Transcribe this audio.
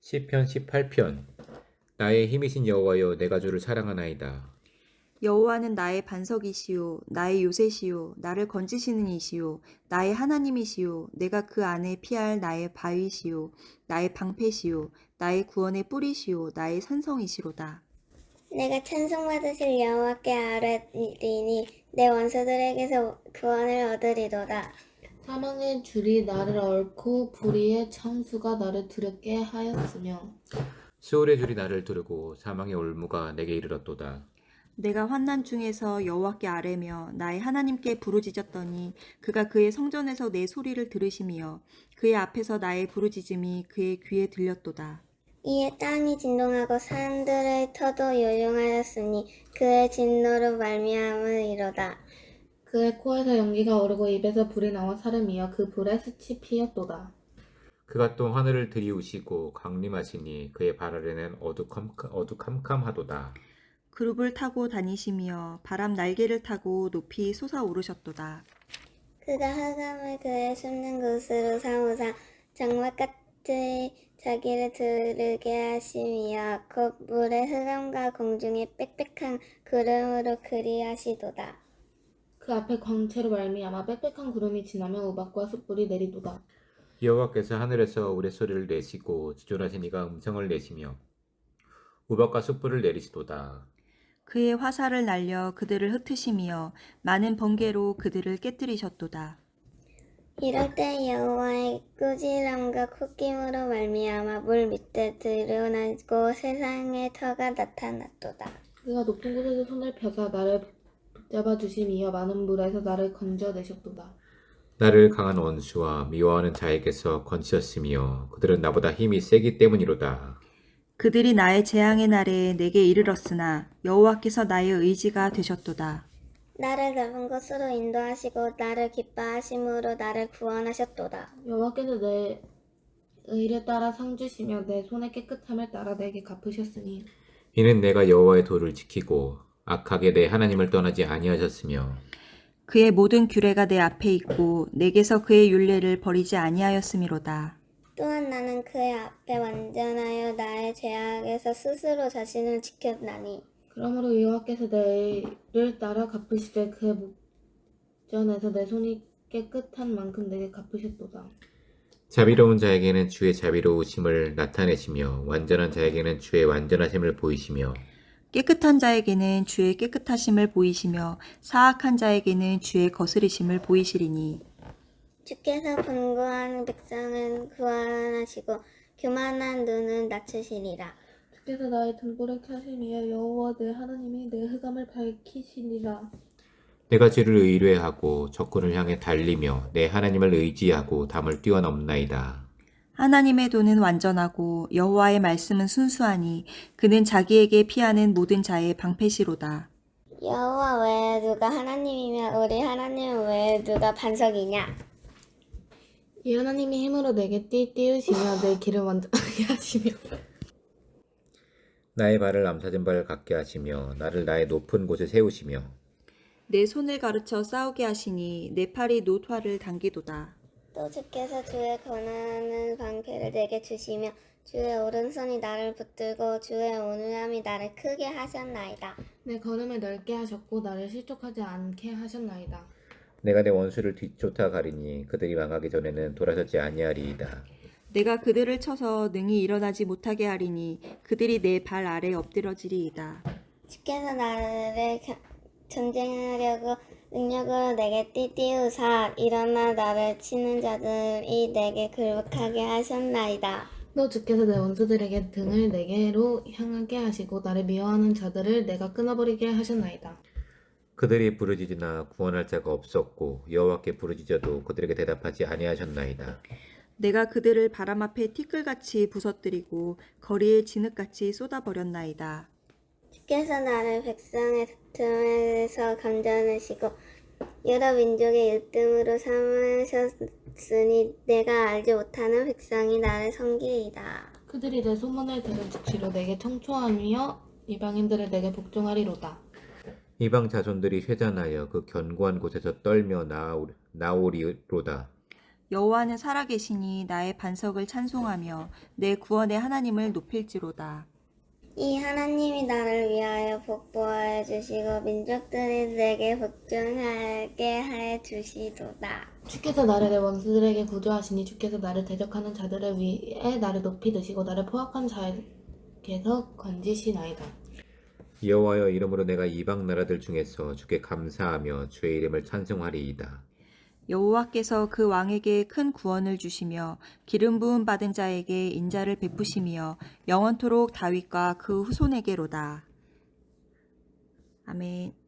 시편 18편. 나의 힘이신 여호와여, 내가 주를 사랑하나이다. 여호와는 나의 반석이시요 나의 요새시요 나를 건지시는 이시요 나의 하나님이시요 내가 그 안에 피할 나의 바위시요 나의 방패시요 나의 구원의 뿌리시요 나의 산성이시로다. 내가 찬송받으실 여호와께 아뢰리니 내 원수들에게서 구원을 얻으리로다. 사망의 줄이 나를 얽고 불의의 창수가 나를 두렵게 하였으며 수월의 줄이 나를 두르고 사망의 올무가 내게 이르렀도다. 내가 환난 중에서 여호와께 아뢰며 나의 하나님께 부르짖었더니 그가 그의 성전에서 내 소리를 들으시며 그의 앞에서 나의 부르짖음이 그의 귀에 들렸도다. 이에 땅이 진동하고 산들의 터도 요용하였으니 그의 진노로 말미암으리로다. 그의 코에서 연기가 오르고 입에서 불이 나와 사름이여 그 불에 숯이 피었도다. 그가 또 하늘을 들이우시고 강림하시니 그의 발 아래는 어두캄캄하도다. 그룹을 타고 다니시며 바람 날개를 타고 높이 솟아오르셨도다. 그가 흑암을 그의 숨는 곳으로 삼으사 장막같이 자기를 두르게 하시며 곧 물의 흑암과 공중의 빽빽한 구름으로 그리하시도다. 그 앞에 광채로 말미암아 빽빽한 구름이 지나며 우박과 숯불이 내리도다. 여호와께서 하늘에서 우레소리를 내시고 지존하신 이가 음성을 내시며 우박과 숯불을 내리시도다. 그의 화살을 날려 그들을 흩으시며 많은 번개로 그들을 깨뜨리셨도다. 이럴 때 여호와의 꾸지람과 콧김으로 말미암아 물 밑에 드러나고 세상의 터가 나타났도다. 그가 높은 곳에서 손을 펴사 나를 붙잡아 주심이여 많은 물에서 나를 건져내셨도다. 나를 강한 원수와 미워하는 자에게서 건지셨으며 그들은 나보다 힘이 세기 때문이로다. 그들이 나의 재앙의 날에 내게 이르렀으나 여호와께서 나의 의지가 되셨도다. 나를 넓은 곳으로 인도하시고 나를 기뻐하심으로 나를 구원하셨도다. 여호와께서 내 의를 따라 상 주시며 내 손의 깨끗함을 따라 내게 갚으셨으니 이는 내가 여호와의 도를 지키고 악하게 내 하나님을 떠나지 아니하셨으며 그의 모든 규례가 내 앞에 있고 내게서 그의 율례를 버리지 아니하였음이로다. 또한 나는 그의 앞에 완전하여 나의 죄악에서 스스로 자신을 지켰나니 그러므로 여호와께서 내 의를 따라 갚으시되 그의 목전에서 내 손이 깨끗한 만큼 내게 갚으셨도다. 자비로운 자에게는 주의 자비로우심을 나타내시며 완전한 자에게는 주의 완전하심을 보이시며 깨끗한 자에게는 주의 깨끗하심을 보이시며 사악한 자에게는 주의 거스리심을 보이시리니 주께서 분고한 백성은 구원하시고 교만한 눈은 낮추시리라. 주께서 나의 등불을 켜심이여 여호와 내 하나님이 내 흑암을 밝히시니라. 내가 주를 의뢰하고 적군을 향해 달리며 내 하나님을 의지하고 담을 뛰어넘나이다. 하나님의 도는 완전하고 여호와의 말씀은 순수하니 그는 자기에게 피하는 모든 자의 방패시로다. 여호와 외에 누가 하나님이며 우리 하나님 외에 누가 반석이냐? 이 하나님이 힘으로 내게 띄우시며 내 길을 완전하게 하시며 나의 발을 암사진 발 같게 하시며 나를 나의 높은 곳에 세우시며 내 손을 가르쳐 싸우게 하시니 내 팔이 노화를 당기도다. 또 주께서 주의 권하는 방패를 내게 주시며 주의 오른손이 나를 붙들고 주의 온유함이 나를 크게 하셨나이다. 내 걸음을 넓게 하셨고 나를 실족하지 않게 하셨나이다. 내가 내 원수를 뒤쫓아 가리니 그들이 망하기 전에는 돌아서지 아니하리이다. 내가 그들을 쳐서 능히 일어나지 못하게 하리니 그들이 내 발 아래 엎드러지리이다. 주께서 나를 전쟁하려고 능력으로 내게 띠띠우사 일어나 나를 치는 자들이 내게 굴복하게 하셨나이다. 너 주께서 내 원수들에게 등을 내게로 향하게 하시고 나를 미워하는 자들을 내가 끊어버리게 하셨나이다. 그들이 부르짖으나 구원할 자가 없었고 여호와께 부르짖어도 그들에게 대답하지 아니하셨나이다. 내가 그들을 바람 앞에 티끌같이 부서뜨리고 거리에 진흙같이 쏟아버렸나이다. 주께서 나를 백성의 틈에서 건져내시고 여러 민족의 으뜸으로 삼으셨으니 내가 알지 못하는 백성이 나를 섬기리이다. 그들이 내 소문을 들은 즉시로 내게 청초하며 이방인들을 내게 복종하리로다. 이방 자손들이 쇠잔하여 그 견고한 곳에서 떨며 나오리로다. 여호와는 살아계시니 나의 반석을 찬송하며 내 구원의 하나님을 높일지로다. 이 하나님이 나를 위하여 복보하여 주시고 민족들이 내게 복종하게 해 주시도다. 주께서 나를 내 원수들에게 구조하시니 주께서 나를 대적하는 자들을 위해 나를 높이 드시고 나를 포악한 자에게서 건지시나이다. 여호와여, 이름으로 내가 이방 나라들 중에서 주께 감사하며 주의 이름을 찬송하리이다. 여호와께서 그 왕에게 큰 구원을 주시며 기름 부음 받은 자에게 인자를 베푸시며 영원토록 다윗과 그 후손에게로다. 아멘.